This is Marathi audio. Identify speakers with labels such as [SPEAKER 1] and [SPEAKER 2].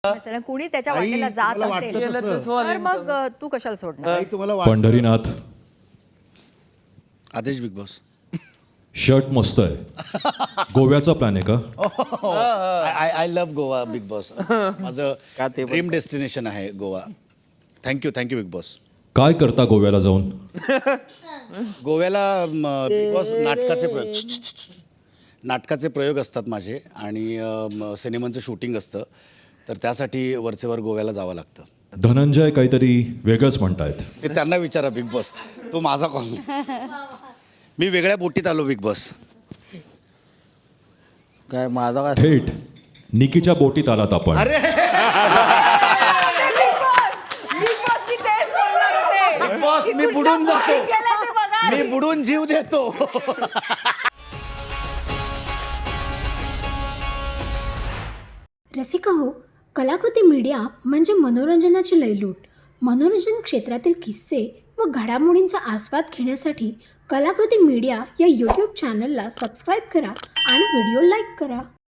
[SPEAKER 1] مثلا कुणी त्याच्या
[SPEAKER 2] आई,
[SPEAKER 1] वाटेला जात
[SPEAKER 2] तुम्हाला
[SPEAKER 1] असेल
[SPEAKER 2] वाटतं तसं?
[SPEAKER 1] तर मग तू कशाला सोडणार?
[SPEAKER 2] आई, तुम्हाला वाटतं?
[SPEAKER 3] पंढरीनाथ
[SPEAKER 4] आदेश बिग बॉस.
[SPEAKER 3] शर्ट मस्त आहे. गोव्याचा प्लॅन आहे का?
[SPEAKER 4] I love Goa Bigg Boss. माझं ड्रीम डेस्टिनेशन आहे गोवा. Thank you Bigg boss.
[SPEAKER 3] काय करता गोव्याला जाऊन?
[SPEAKER 4] गोव्याला बिग बॉस नाटकाचे प्रयोग असतात माझे आणि सिनेमांचं शूटिंग असतं, तर त्यासाठी वरचेवर गोव्याला जावं लागतं.
[SPEAKER 3] धनंजय काहीतरी वेगळंच म्हणतायत.
[SPEAKER 4] ते त्यांना विचारा बिग बॉस. तो माझा कॉल. मी वेगळ्या बोटीत आलो बिग बॉस.
[SPEAKER 5] काय माझा काय
[SPEAKER 3] थेट निकीच्या बोटीत आलात आपण.
[SPEAKER 4] बिग बॉस मी बुडून जातो. मी बुडून जीव देतो.
[SPEAKER 6] रसिका हो, कलाकृती मीडिया म्हणजे मनोरंजनाची लयलूट. मनोरंजन क्षेत्रातील किस्से व घडामोडींचा आस्वाद घेण्यासाठी कलाकृती मीडिया या यूट्यूब चॅनलला सबस्क्राईब करा आणि व्हिडिओ लाईक करा.